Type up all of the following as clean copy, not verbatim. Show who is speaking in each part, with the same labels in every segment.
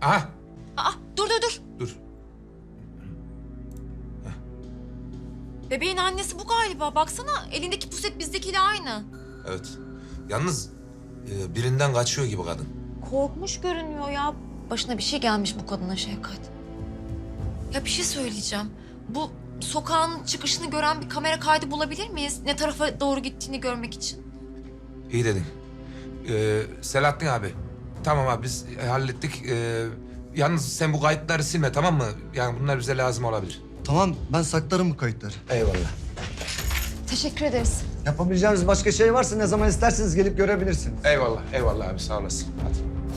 Speaker 1: Aha.
Speaker 2: Aa, dur.
Speaker 1: Dur.
Speaker 2: Bebeğin annesi bu galiba. Baksana elindeki puset bizdekiyle aynı.
Speaker 1: Evet. Yalnız birinden kaçıyor gibi kadın.
Speaker 2: Korkmuş görünüyor ya. Başına bir şey gelmiş bu kadına Şevkat. Ya bir şey söyleyeceğim. Bu sokağın çıkışını gören bir kamera kaydı bulabilir miyiz? Ne tarafa doğru gittiğini görmek için.
Speaker 1: İyi dedin. Selahattin abi. Tamam abi biz hallettik. Yalnız sen bu kayıtları silme tamam mı? Yani bunlar bize lazım olabilir.
Speaker 3: Tamam, ben saklarım bu kayıtları.
Speaker 1: Eyvallah.
Speaker 2: Teşekkür ederiz.
Speaker 3: Yapabileceğiniz başka şey varsa ne zaman isterseniz gelip görebilirsiniz.
Speaker 1: Eyvallah abi sağ olasın. Hadi.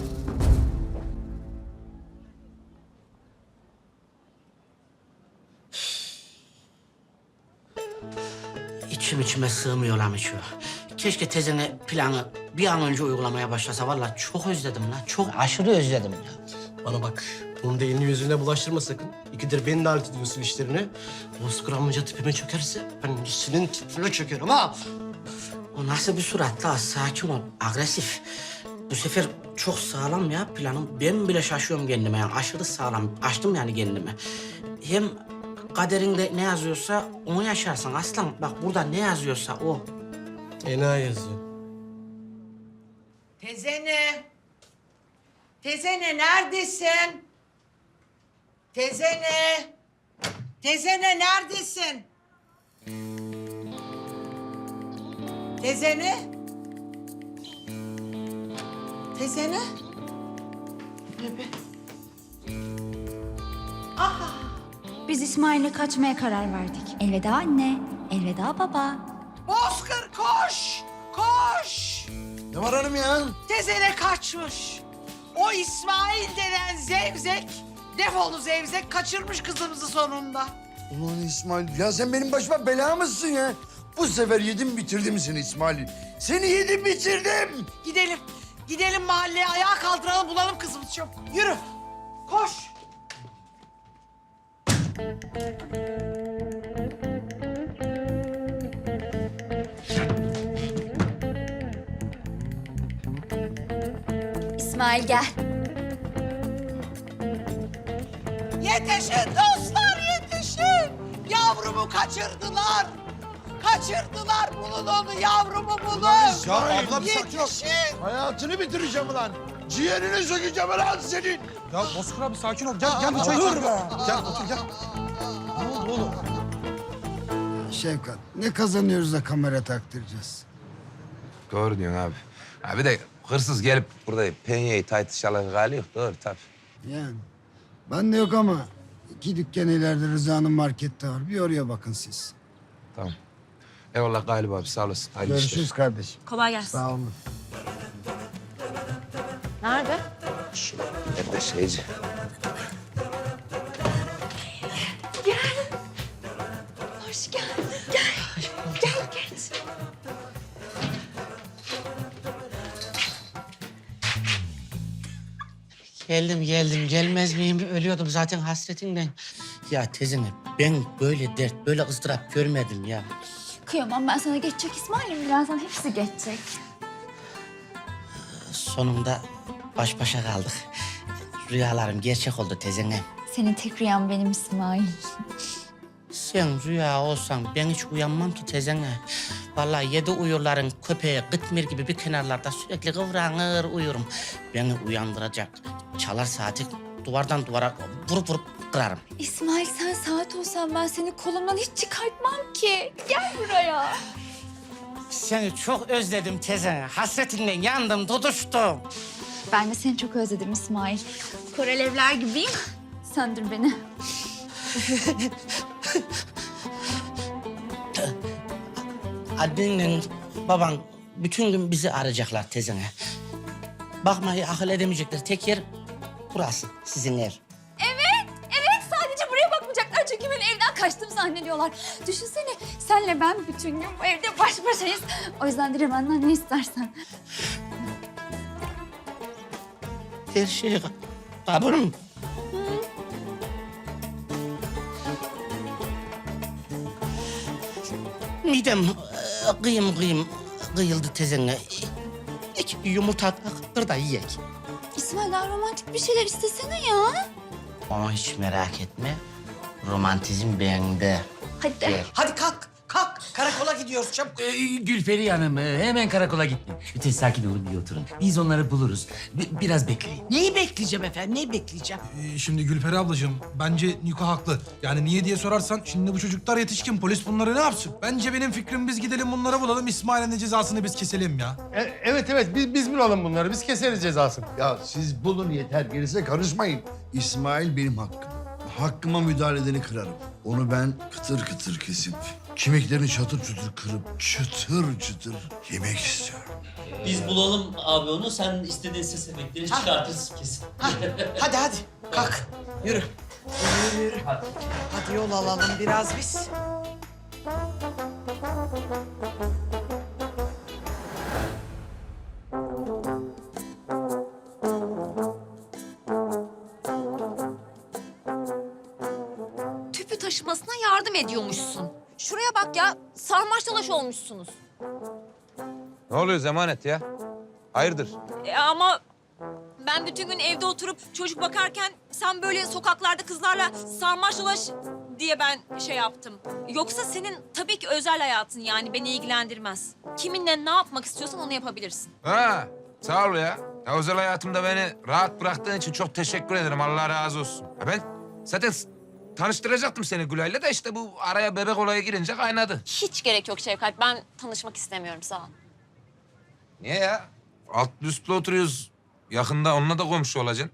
Speaker 4: İçime sığmıyor lan şu. Keşke tezene planı bir an önce uygulamaya başlasa. Vallahi çok özledim lan. Çok aşırı özledim ya.
Speaker 5: Bana bak, bunu da elini yüzüne bulaştırma sakın. İkidir beni de alet ediyorsun işlerine. Bozkır amca tipime çökerse ben senin tipine çökerim ha.
Speaker 4: O nasıl bir surat la? Sakin ol, agresif. Bu sefer çok sağlam ya planım. Ben bile şaşıyorum kendime yani. Aşırı sağlam. Açtım yani kendimi. Hem kaderinde ne yazıyorsa onu yaşarsın aslan. Bak burada ne yazıyorsa o.
Speaker 5: Ena yazıyor.
Speaker 6: Tezene. Tezene neredesin? Tezene. Tezene neredesin? Tezene. Tezene. Ne be? Aha.
Speaker 7: Biz İsmail'le kaçmaya karar verdik. Elveda anne, elveda baba.
Speaker 6: Bozkır koş. Koş.
Speaker 3: Ne var hanım ya?
Speaker 6: Tezene kaçmış. O İsmail denen zevzek, defolu zevzek kaçırmış kızımızı sonunda.
Speaker 8: Ulan İsmail, ya sen benim başıma bela mısın ya? Bu sefer yedim bitirdim seni İsmail. Seni yedim bitirdim.
Speaker 6: Gidelim mahalleye ayağa kaldıralım bulalım kızımızı çabuk. Yürü, koş.
Speaker 7: İsmail gel.
Speaker 6: Yetişin dostlar yetişin. Yavrumu kaçırdılar. Kaçırdılar bulun onu yavrumu bulun.
Speaker 8: Ya abla bir sakin ol.
Speaker 6: Yetişin.
Speaker 8: Hayatını bitireceğim ulan. Ciğerini sökeceğim ulan senin.
Speaker 9: Ya Bozkır abi sakin ol. Gel bir çay içelim. Gel otur gel. Ne oldu oğlum?
Speaker 8: Şevkat, ne kazanıyoruz da kamera taktıracağız?
Speaker 1: Doğru diyorsun abi. Abi de hırsız gelip burada penyeyi tartışalı hali yok. Doğru tabii.
Speaker 8: Yani ben de yok ama 2 dükkan ileride Rıza'nın markette var. Bir oraya bakın siz.
Speaker 1: Tamam. Eyvallah galiba abi sağ olasın. Hayırlı işler.
Speaker 8: Görüşürüz kardeşim.
Speaker 2: Kolay gelsin.
Speaker 8: Sağ olun.
Speaker 2: Nerede?
Speaker 1: Nerede şeyci?
Speaker 7: Hoş geldin. Gel geç.
Speaker 4: Geldim. Gelmez miyim? Ölüyordum zaten hasretinden. Ya tezene ben böyle dert, böyle ızdırap görmedim ya.
Speaker 7: Kıyamam ben sana geçecek İsmail'im. Birazdan hepsi geçecek.
Speaker 4: Sonunda baş başa kaldık. Rüyalarım gerçek oldu tezene.
Speaker 7: Senin tek rüyan benim İsmail.
Speaker 4: Sen rüya olsan ben hiç uyanmam ki tezene. Vallahi 7 uyurların köpeği Gıtmir gibi bir kenarlarda sürekli kıvranır uyurum. Beni uyandıracak çalar saati duvardan duvara vurup kırarım.
Speaker 7: İsmail sen saat olsan ben seni kolumdan hiç çıkartmam ki. Gel buraya.
Speaker 4: Seni çok özledim tezene. Hasretinden yandım, tutuştum.
Speaker 7: Ben de seni çok özledim İsmail. Korelevler gibiyim. Söndür beni.
Speaker 4: Annenle baban bütün gün bizi arayacaklar tezene. Bakmayı akıl edemeyecekler. Tek yer burası, sizin ev.
Speaker 7: Evet sadece buraya bakmayacaklar çünkü beni evden kaçtım zannediyorlar. Düşünsene senle ben bütün gün bu evde baş başayız. O yüzden dile benden ne istersen.
Speaker 4: Her şey kabul mü? Midem kıyım kıyıldı tezene. İki yumurta kır da yiyek.
Speaker 7: İsmail daha romantik bir şeyler istesene ya.
Speaker 4: Ama hiç merak etme. Romantizm bende.
Speaker 7: Hadi.
Speaker 6: Hadi kalk, kalk. Karakola gidiyoruz çabuk.
Speaker 10: Gülperi Hanım hemen karakola gitti. Lütfen sakin olun bir oturun. Biz onları buluruz. Biraz bekleyin.
Speaker 6: Neyi bekleyeceğim efendim, neyi bekleyeceğim?
Speaker 9: Şimdi Gülperi ablacığım, bence Niko haklı. Yani niye diye sorarsan, şimdi bu çocuklar yetişkin, polis bunları ne yapsın? Bence benim fikrim, biz gidelim bunları bulalım, İsmail'in de cezasını biz keselim ya.
Speaker 5: Evet, biz bulalım bunları. Biz keseriz cezasını.
Speaker 8: Ya siz bulun yeter, gerisine karışmayın. İsmail benim hakkım. Hakkıma müdahale edeni kırarım. Onu ben kıtır kıtır kesip, kemiklerini çatır çutur kırıp, çıtır çıtır yemek istiyorum.
Speaker 10: Biz bulalım abi onu. Sen istediğin ses efektleri çıkartırsın kesin.
Speaker 6: Hadi hadi, kalk. Yürü. Yürü. Hadi yol alalım biraz biz.
Speaker 2: Tüpü taşımasına yardım ediyormuşsun. Şuraya bak ya, sarmaş dolaş olmuşsunuz.
Speaker 1: Ne oluyor Zemanet ya? Hayırdır?
Speaker 2: Ama ben bütün gün evde oturup çocuk bakarken sen böyle sokaklarda kızlarla sarmaş dolaş diye ben şey yaptım. Yoksa senin tabii ki özel hayatın, yani beni ilgilendirmez. Kiminle ne yapmak istiyorsan onu yapabilirsin.
Speaker 1: Ha, sağ ol ya. Ya özel hayatımda beni rahat bıraktığın için çok teşekkür ederim. Allah razı olsun. Ya ben zaten tanıştıracaktım seni Gülay'la da işte bu araya bebek olayı girince kaynadı.
Speaker 2: Hiç gerek yok Şevkat. Ben tanışmak istemiyorum, sağ ol.
Speaker 1: Niye ya? Alt üstlü oturuyoruz. Yakında onunla da komşu olacaksın.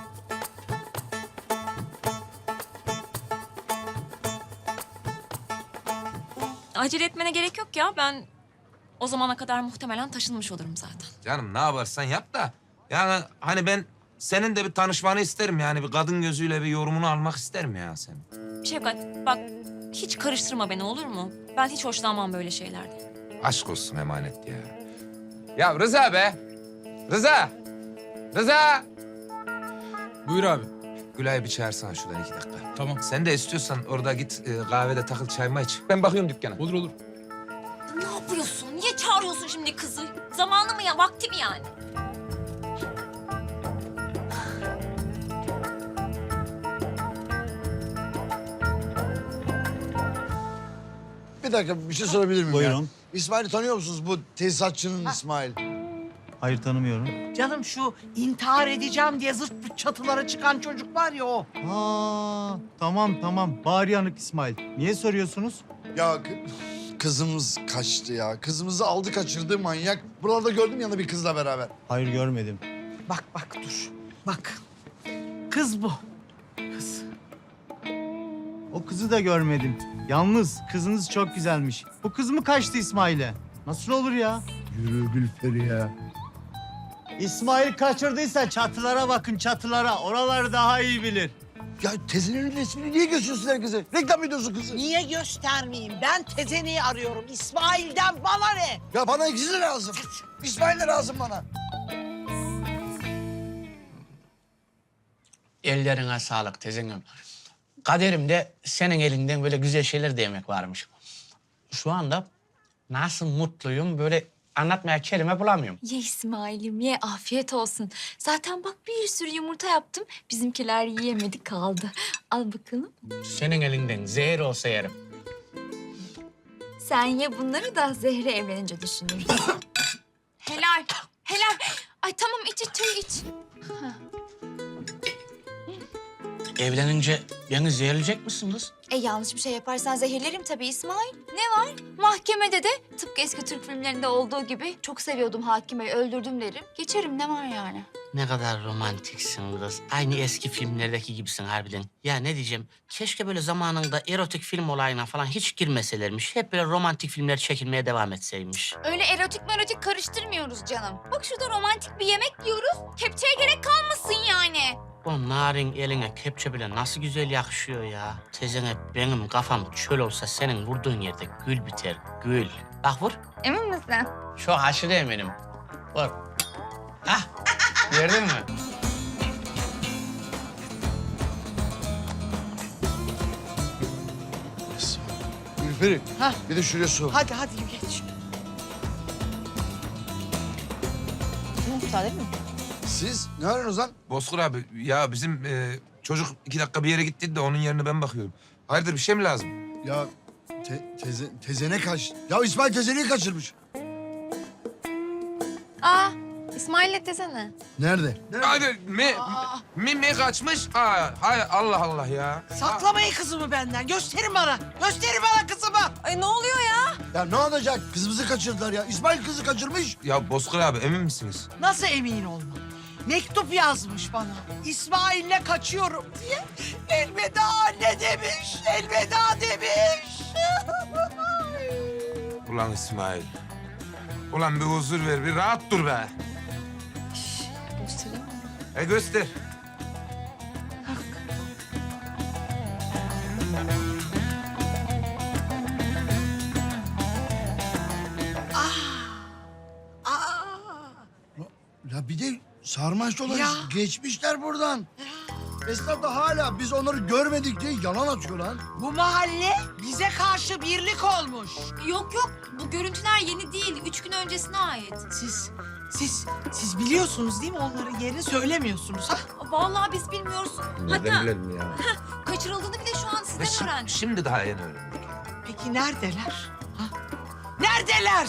Speaker 2: Acele etmene gerek yok ya. Ben o zamana kadar muhtemelen taşınmış olurum zaten.
Speaker 1: Canım ne yaparsan yap da. Yani hani ben senin de bir tanışmanı isterim yani. Bir kadın gözüyle bir yorumunu almak isterim ya senin.
Speaker 2: Şevkat bak, hiç karıştırma beni, olur mu? Ben hiç hoşlanmam böyle şeylerden.
Speaker 1: Aşk olsun emanet ya. Ya Rıza be. Rıza. Rıza.
Speaker 9: Buyur abi.
Speaker 1: Gülay'ı bir çağırsana şuradan 2 dakika.
Speaker 9: Tamam.
Speaker 1: Sen de istiyorsan orada git kahvede takıl çayma iç. Ben bakıyorum dükkana.
Speaker 9: Olur.
Speaker 2: Ne yapıyorsun? Niye çağırıyorsun şimdi kızı? Zamanı mı ya, vakti mi yani?
Speaker 8: Bir dakika, bir şey sorabilir miyim
Speaker 11: Buyurun.
Speaker 8: ya? İsmail'i tanıyor musunuz? Bu tesisatçının İsmail.
Speaker 11: Hayır, tanımıyorum.
Speaker 6: Canım şu intihar edeceğim diye zırt pırt çatılara çıkan çocuk var ya o.
Speaker 11: Ha, tamam. Bağır yanık İsmail. Niye soruyorsunuz?
Speaker 8: Ya kızımız kaçtı ya. Kızımızı aldı kaçırdı manyak. Buralarda gördüm yanında bir kızla beraber.
Speaker 11: Hayır, görmedim.
Speaker 6: Bak dur. Bak. Kız bu. Kız.
Speaker 11: O kızı da görmedim. Yalnız kızınız çok güzelmiş. Bu kız mı kaçtı İsmail'e? Nasıl olur ya?
Speaker 8: Yürü Gülperi ya.
Speaker 11: İsmail kaçırdıysa çatılara bakın, çatılara. Oraları daha iyi bilir.
Speaker 8: Ya teyzenin resmini niye gösteriyorsun herkese? Reklam ediyorsun kızı.
Speaker 6: Niye göstermeyeyim? Ben Tezene'yi arıyorum. İsmail'den bana ne?
Speaker 8: Ya bana ikisi de lazım. İsmail de lazım bana.
Speaker 4: Ellerine sağlık tezenim. Kaderimde senin elinden böyle güzel şeyler de yemek varmış. Şu anda nasıl mutluyum böyle anlatmaya kelime bulamıyorum.
Speaker 7: Ye İsmail'im ye, afiyet olsun. Zaten bak bir sürü yumurta yaptım. Bizimkiler yiyemedi kaldı. Al bakalım.
Speaker 4: Senin elinden zehir olsa yerim.
Speaker 7: Sen ye bunları da Zehre evlenince düşünürüz. Helal. Ay tamam iç çayı iç.
Speaker 4: Evlenince beni zehirleyecek misiniz?
Speaker 7: Yanlış bir şey yaparsan zehirlerim tabii İsmail. Ne var? Mahkemede de tıpkı eski Türk filmlerinde olduğu gibi çok seviyordum hakimeyi, öldürdüm derim. Geçerim, ne var yani?
Speaker 4: Ne kadar romantiksin kız. Aynı eski filmlerdeki gibisin harbiden. Ya ne diyeceğim, keşke böyle zamanında erotik film olayına falan hiç girmeselermiş. Hep böyle romantik filmler çekilmeye devam etseymiş.
Speaker 7: Öyle erotik karıştırmıyoruz canım. Bak şurada romantik bir yemek yiyoruz. Kepçeye gerek kalmasın yani.
Speaker 4: O narin eline kepçe bile nasıl güzel yakışıyor ya. Tezene benim kafam çöl olsa senin vurduğun yerde gül biter, gül. Bak vur.
Speaker 7: Emin misin?
Speaker 4: Çok aşırı eminim. Vur. Hah, gördün mü?
Speaker 8: Gülperi,
Speaker 6: Ha.
Speaker 8: bir de şuraya sor.
Speaker 6: Hadi geç.
Speaker 2: Müsaade mi?
Speaker 8: Siz ne arıyorsunuz lan?
Speaker 1: Bozkır abi ya bizim çocuk 2 dakika bir yere gitti de onun yerine ben bakıyorum. Hayırdır bir şey mi lazım?
Speaker 8: Ya tezene kaç. Ya İsmail tezeneyi kaçırmış.
Speaker 2: Aa, İsmail'le desene.
Speaker 8: Nerede?
Speaker 1: Hadi mi kaçmış? Hay Allah Allah ya.
Speaker 6: Saklamayın kızımı benden. Gösterin bana. Gösterin bana kızımı.
Speaker 2: Ay ne oluyor ya?
Speaker 8: Ya ne olacak? Kızımızı kaçırdılar ya. İsmail kızı kaçırmış.
Speaker 1: Ya Bozkır abi emin misiniz?
Speaker 6: Nasıl emin olma? Mektup yazmış bana. İsmail'le kaçıyorum diye. Elveda anne demiş. Elveda demiş.
Speaker 1: Ulan İsmail. Ulan bir huzur ver, bir rahat dur be.
Speaker 2: Göstereyim mi?
Speaker 1: Göster.
Speaker 8: Ya bir de sarmaş dolaş
Speaker 6: Ya.
Speaker 8: geçmişler buradan. Esnaf da hala biz onları görmedik diye yalan atıyor lan.
Speaker 6: Bu mahalle bize karşı birlik olmuş.
Speaker 2: Yok yok, bu görüntüler yeni değil. 3 gün öncesine ait.
Speaker 6: Siz biliyorsunuz değil mi onların yerini söylemiyorsunuz ha?
Speaker 2: Vallahi biz bilmiyoruz. Hatta
Speaker 1: bilelim ya?
Speaker 2: kaçırıldığını bile şu an sizden öğrendik.
Speaker 1: Şimdi daha yeni öğrendik.
Speaker 6: Peki neredeler? Ha? Neredeler?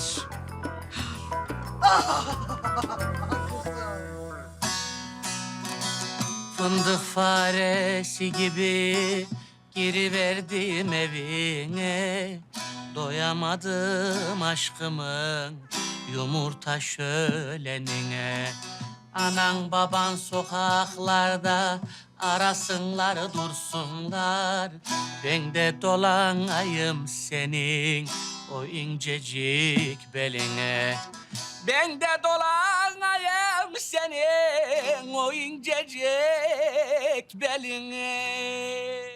Speaker 4: Fındık faresi gibi giriverdim evine. Doyamadım aşkımın yumurta şölenine. Anan baban sokaklarda arasınlar dursunlar. Ben de dolanayım senin o incecik beline. Ben de dolanayım senin o incecik beline.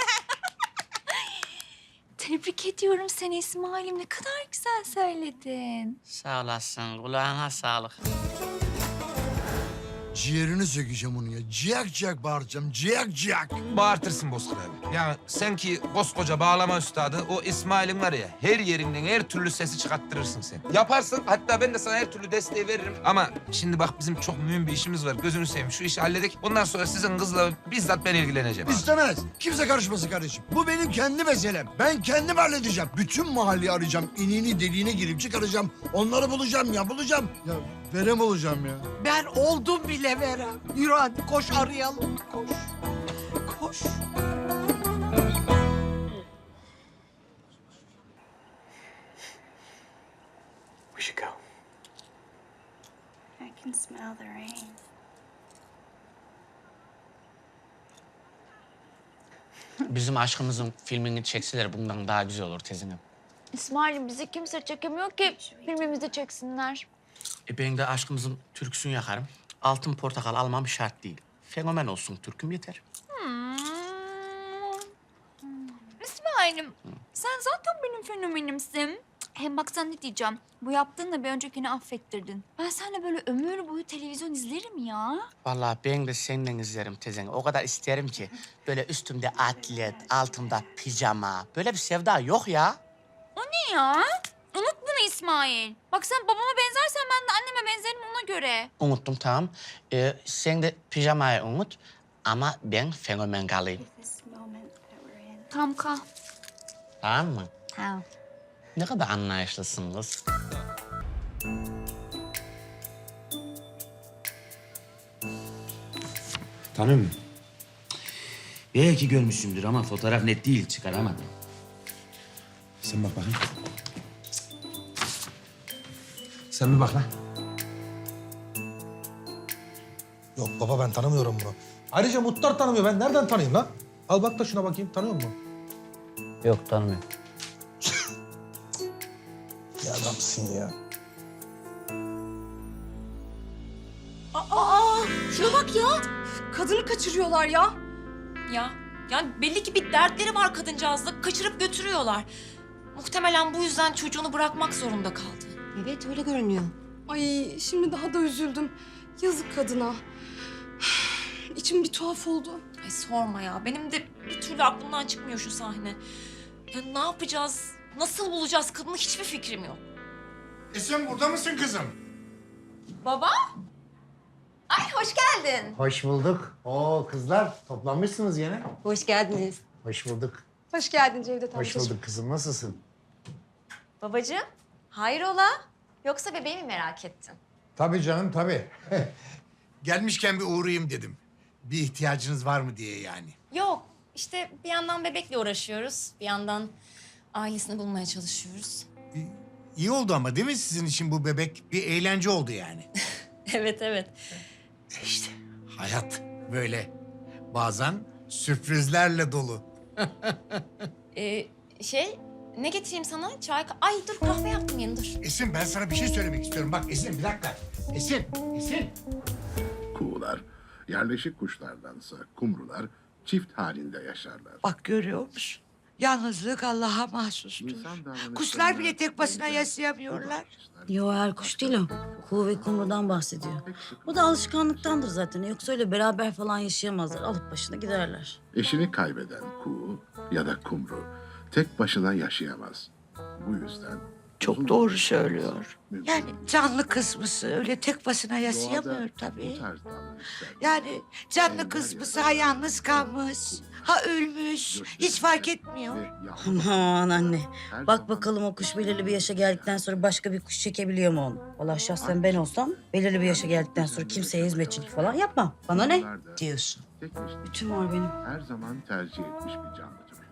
Speaker 7: Tebrik ediyorum seni İsmail'im. Ne kadar güzel söyledin.
Speaker 4: Sağ olasın, kulağına sağlık.
Speaker 8: Ciğerini sökeceğim onu ya. Ciyak ciyak bağıracağım. Ciyak ciyak.
Speaker 1: Bağırtırsın Bozkır abi. Yani sen ki koskoca bağlama üstadı, o İsmail'in var ya, her yerinden her türlü sesi çıkarttırırsın sen. Yaparsın, hatta ben de sana her türlü desteği veririm. Ama şimdi bak bizim çok mühim bir işimiz var. Gözünü seveyim, şu işi halledek. Ondan sonra sizin kızla bizzat ben ilgileneceğim. abi.
Speaker 8: İstemez. Kimse karışmasın kardeşim. Bu benim kendi meselem. Ben kendim halledeceğim. Bütün mahalleyi arayacağım. İniğini deliğine girip çıkaracağım. Onları bulacağım ya bulacağım. Ya verem olacağım ya.
Speaker 6: Ben oldum bile Verem. Yürü hadi koş arayalım. Koş. Koş.
Speaker 5: We should go.
Speaker 7: I can smell the rain.
Speaker 4: Bizim aşkımızın filmini çekseler bundan daha güzel olur tezine.
Speaker 2: İsmail'im bizi kimse çekemiyor ki filmimizi çeksinler.
Speaker 4: Ben de aşkımızın türküsünü yakarım. Altın portakal almam şart değil. Fenomen olsun türküm yeter.
Speaker 7: İsmail'im sen zaten benim fenomenimsin. Hem bak sana ne diyeceğim. Bu yaptığınla bir öncekini affettirdin. Ben seninle böyle ömür boyu televizyon izlerim ya.
Speaker 4: Vallahi ben de seninle izlerim tezeni. O kadar isterim ki. Böyle üstümde atlet, altımda pijama. Böyle bir sevda yok ya.
Speaker 7: O ne ya? Unut bunu İsmail. Bak sen babama benzersen ben de anneme benzerim ona göre.
Speaker 4: Unuttum tamam. Sen de pijamayı unut. Ama ben fenomen kalayım.
Speaker 7: Tamam kal.
Speaker 4: Tamam mı?
Speaker 7: Tamam.
Speaker 4: Ne kadar anlayışlısın kız.
Speaker 10: Tanıyor musun? Belki görmüşsündür ama fotoğraf net değil, çıkaramadım. Sen bak bakayım.
Speaker 1: Sen bir bak lan.
Speaker 9: Yok baba ben tanımıyorum bunu. Ayrıca Muhtar tanımıyor. Ben nereden tanıyayım lan? Al bak da şuna bakayım. Tanıyor musun?
Speaker 4: Yok tanımıyorum.
Speaker 9: Ya adamsın ya.
Speaker 2: Şuna bak ya. Kadını kaçırıyorlar ya. Ya yani belli ki bir dertleri var kadıncağızla. Kaçırıp götürüyorlar. Muhtemelen bu yüzden çocuğunu bırakmak zorunda kaldı.
Speaker 12: Evet öyle görünüyor. Ay şimdi daha da üzüldüm. Yazık kadına. İçim bir tuhaf oldu.
Speaker 2: Ay sorma ya. Benim de bir türlü aklımdan çıkmıyor şu sahne. Ya ne yapacağız? Nasıl bulacağız kadını hiçbir fikrim yok.
Speaker 8: Sen burada mısın kızım?
Speaker 2: Baba? Ay hoş geldin.
Speaker 11: Hoş bulduk. Oo kızlar toplanmışsınız yine.
Speaker 12: Hoş geldiniz.
Speaker 11: Hoş bulduk.
Speaker 12: Hoş geldin Cevdet
Speaker 11: Hoş
Speaker 12: amcacığım.
Speaker 11: bulduk kızım. Nasılsın?
Speaker 2: Babacığım, hayrola? Yoksa bebeği mi merak ettin?
Speaker 13: Tabii canım tabii. Gelmişken bir uğrayayım dedim. Bir ihtiyacınız var mı diye yani.
Speaker 2: Yok, işte bir yandan bebekle uğraşıyoruz, bir yandan ailesini bulmaya çalışıyoruz.
Speaker 13: İyi oldu ama değil mi sizin için bu bebek? Bir eğlence oldu yani.
Speaker 2: Evet, evet.
Speaker 13: İşte hayat böyle bazen sürprizlerle dolu.
Speaker 2: Ne getireyim sana? Çay... Ay dur kahve yaptım yeni dur.
Speaker 13: Esin ben sana bir şey söylemek istiyorum. Bak Esin bir dakika. Esin.
Speaker 8: Kuğular yerleşik kuşlardansa kumrular çift halinde yaşarlar.
Speaker 6: Bak görüyor musun? Yalnızlık Allah'a mahsustur. Kuşlar bile tek başına yaşayamıyorlar.
Speaker 14: Yo her kuş değil o. Kuğu ve kumrudan bahsediyor. Bu da alışkanlıktandır zaten. Yoksa öyle beraber falan yaşayamazlar. Alıp başına giderler.
Speaker 8: Eşini kaybeden kuğu ya da kumru tek başına yaşayamaz. Bu yüzden
Speaker 6: Çok doğru söylüyor. Yani canlı kısmısı öyle tek başına yaşayamıyor
Speaker 8: bu
Speaker 6: tabii.
Speaker 8: tarz davranışlar
Speaker 6: Yani canlı kısmısı ha yalnız kalmış, ha ölmüş. Hiç fark etmiyor.
Speaker 8: ve yalnız
Speaker 14: Aman anne.
Speaker 8: her
Speaker 14: Bak
Speaker 8: zaman
Speaker 14: bakalım o kuş belirli bir yaşa geldikten sonra başka bir kuş çekebiliyor mu onu? Vallahi şahsen ben olsam belirli bir yaşa geldikten sonra kimseye hizmetçilik falan yapmam. Bana ne?
Speaker 8: kumrular da
Speaker 6: Diyorsun.
Speaker 8: tek eşini
Speaker 14: Bütün var benim.
Speaker 8: her zaman tercih etmiş bir canlı türü.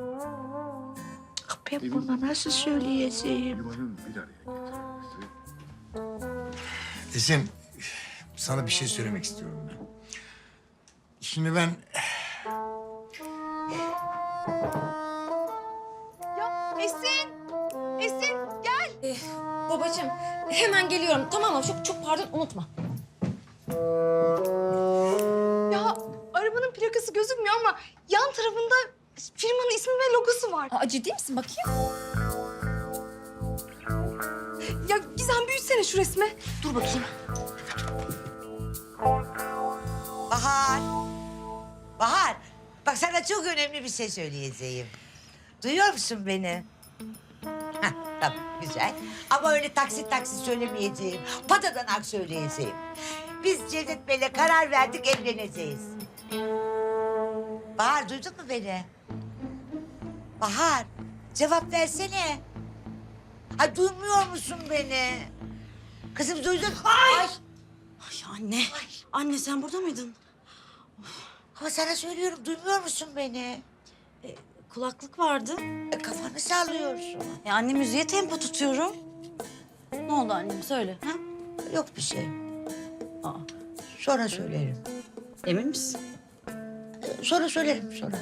Speaker 6: Ben bunu nasıl söyleyeceğim?
Speaker 8: Yuvanın bir araya getirilmesi
Speaker 13: Esin sana bir şey söylemek istiyorum ben. Şimdi ben
Speaker 12: Esin gel.
Speaker 2: Babacığım, hemen geliyorum tamam mı? Çok pardon, unutma.
Speaker 12: Ya arabanın plakası gözükmüyor ama yan tarafında firmanın ismi ve logosu var.
Speaker 2: Aa, ciddi misin? Bakayım.
Speaker 12: Ya Gizem büyütsene şu resmi.
Speaker 2: Dur bakayım.
Speaker 6: Bahar. Bahar. Bak sana çok önemli bir şey söyleyeceğim. Duyuyor musun beni? Heh, tamam güzel. Ama öyle taksit söylemeyeceğim. Patadanak söyleyeceğim. Biz Cevdet Bey'le karar verdik evleneceğiz. Bahar duydun mu beni? Bahar cevap versene. Ha duymuyor musun beni? Kızım duydun mu? Ay.
Speaker 14: Ay anne. Anne sen burada mıydın?
Speaker 6: Ama sana söylüyorum duymuyor musun beni?
Speaker 14: Kulaklık vardı.
Speaker 6: Kafanı sallıyorsun.
Speaker 14: Anne müziğe tempo tutuyorum. Ne oldu annem söyle. Ha?
Speaker 6: Yok bir şey.
Speaker 14: Aa,
Speaker 6: Sonra söylerim.
Speaker 14: emin misin?
Speaker 6: Sonra söylerim sonra.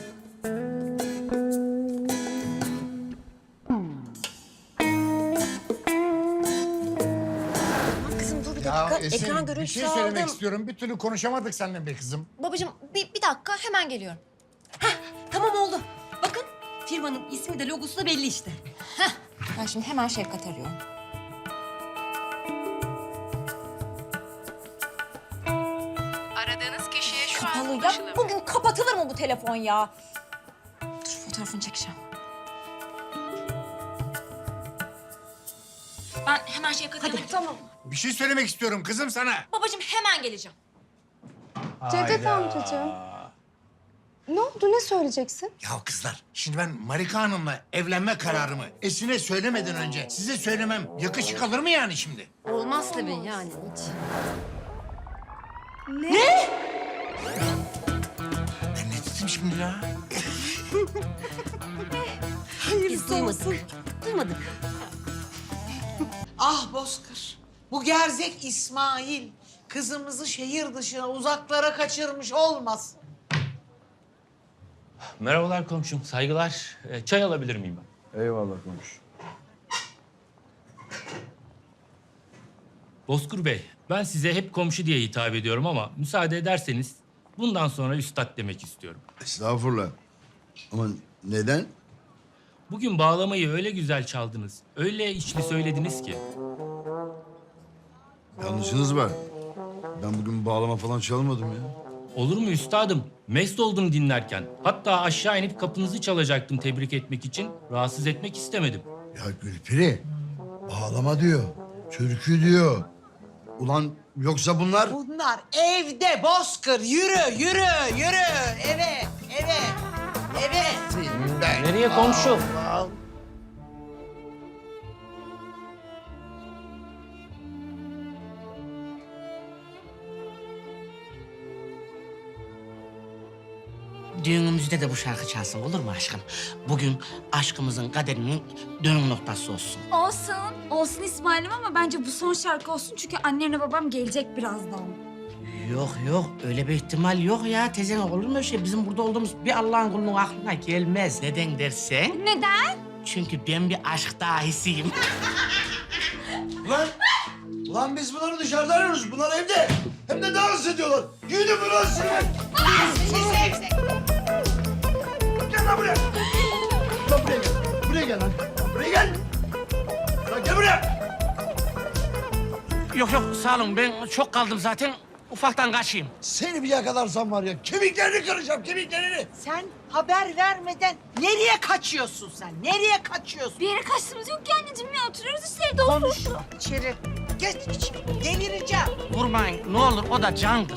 Speaker 2: Aman kızım dur bir
Speaker 13: ya
Speaker 2: dakika.
Speaker 13: Esin
Speaker 2: Ekran
Speaker 13: bir
Speaker 2: görüntüsü
Speaker 13: şey söylemek
Speaker 2: aldım.
Speaker 13: istiyorum. Bir türlü konuşamadık seninle be kızım.
Speaker 2: Babacığım bir dakika hemen geliyorum.
Speaker 14: Tamam oldu. Bakın firmanın ismi de logosu da belli işte.
Speaker 2: Ben şimdi hemen Şefkat arıyorum.
Speaker 12: Aradığınız kişiye şu
Speaker 2: Kapalı ya. Bugün kapatılır mı bu telefon ya? Dur fotoğrafını çekeceğim. Ben hemen Şefkat'e arayayım. Tamam.
Speaker 13: Bir şey söylemek istiyorum kızım sana.
Speaker 2: Babacığım hemen geleceğim.
Speaker 12: Cevdet amcacığım. Ne oldu ne söyleyeceksin?
Speaker 13: Ya kızlar, şimdi ben Marika Hanım'la evlenme kararımı Esin'e söylemeden önce size söylemem yakışık alır mı yani şimdi?
Speaker 2: Olmaz tabii yani hiç.
Speaker 13: Ben ne dedim şimdi ya?
Speaker 14: Biz duymadık. Duymadık.
Speaker 6: Ah Bozkır. Bu gerzek İsmail kızımızı şehir dışına uzaklara kaçırmış olmasın.
Speaker 10: Merhabalar komşum, saygılar. Çay alabilir miyim ben?
Speaker 3: Eyvallah konuş.
Speaker 10: Bozkur Bey, ben size hep komşu diye hitap ediyorum ama müsaade ederseniz bundan sonra üstad demek istiyorum.
Speaker 8: Estağfurullah. Ama neden?
Speaker 10: Bugün bağlamayı öyle güzel çaldınız, öyle içli söylediniz ki.
Speaker 8: Yanlışınız var. Ben bugün bağlama falan çalmadım ya.
Speaker 10: Olur mu üstadım? Mest oldum dinlerken. Hatta aşağı inip kapınızı çalacaktım tebrik etmek için. Rahatsız etmek istemedim.
Speaker 8: Ya Gülperi, bağlama diyor, türkü diyor. Ulan Yoksa bunlar...
Speaker 6: Bunlar evde bozkır. Yürü, yürü, yürü. Evet, evet, evet.
Speaker 4: Nereye komşu? Düğünümüzde de bu şarkı çalsın olur mu aşkım? Bugün aşkımızın kaderinin dönüm noktası olsun.
Speaker 7: Olsun. Olsun İsmail'im ama bence bu son şarkı olsun. Çünkü annemle babam gelecek birazdan.
Speaker 4: Yok öyle bir ihtimal yok ya teyze, olur mu öyle şey? Bizim burada olduğumuz bir Allah'ın kulunun aklına gelmez. Neden dersen?
Speaker 7: Neden?
Speaker 4: Çünkü ben bir aşk dahisiyim.
Speaker 8: Ulan biz bunları dışarıda arıyoruz. Bunlar evde. Hem de dans ediyorlar. Gidin buraya size. Gel lan buraya. Lan buraya gel. Buraya gel lan. Buraya gel. Lan gel buraya.
Speaker 4: Yok sağ olun, ben çok kaldım zaten. Ufaktan kaçayım.
Speaker 8: Seni bir yakalarsam var ya kemiklerini kıracağım, kemiklerini.
Speaker 6: Sen haber vermeden nereye kaçıyorsun sen? Nereye kaçıyorsun?
Speaker 7: Bir yere kaçtığımız yok ki anneciğim ya. Oturuyoruz işte evde.
Speaker 6: Konuşma içeri. Geç içeri. Delireceğim.
Speaker 4: Vurmayın ne olur, o da candır.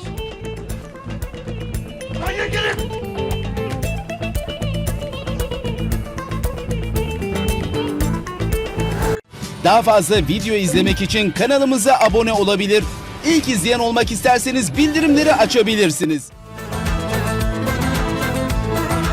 Speaker 8: Hayır gelin.
Speaker 15: Daha fazla video izlemek için kanalımıza abone olabilir. İlk izleyen olmak isterseniz bildirimleri açabilirsiniz.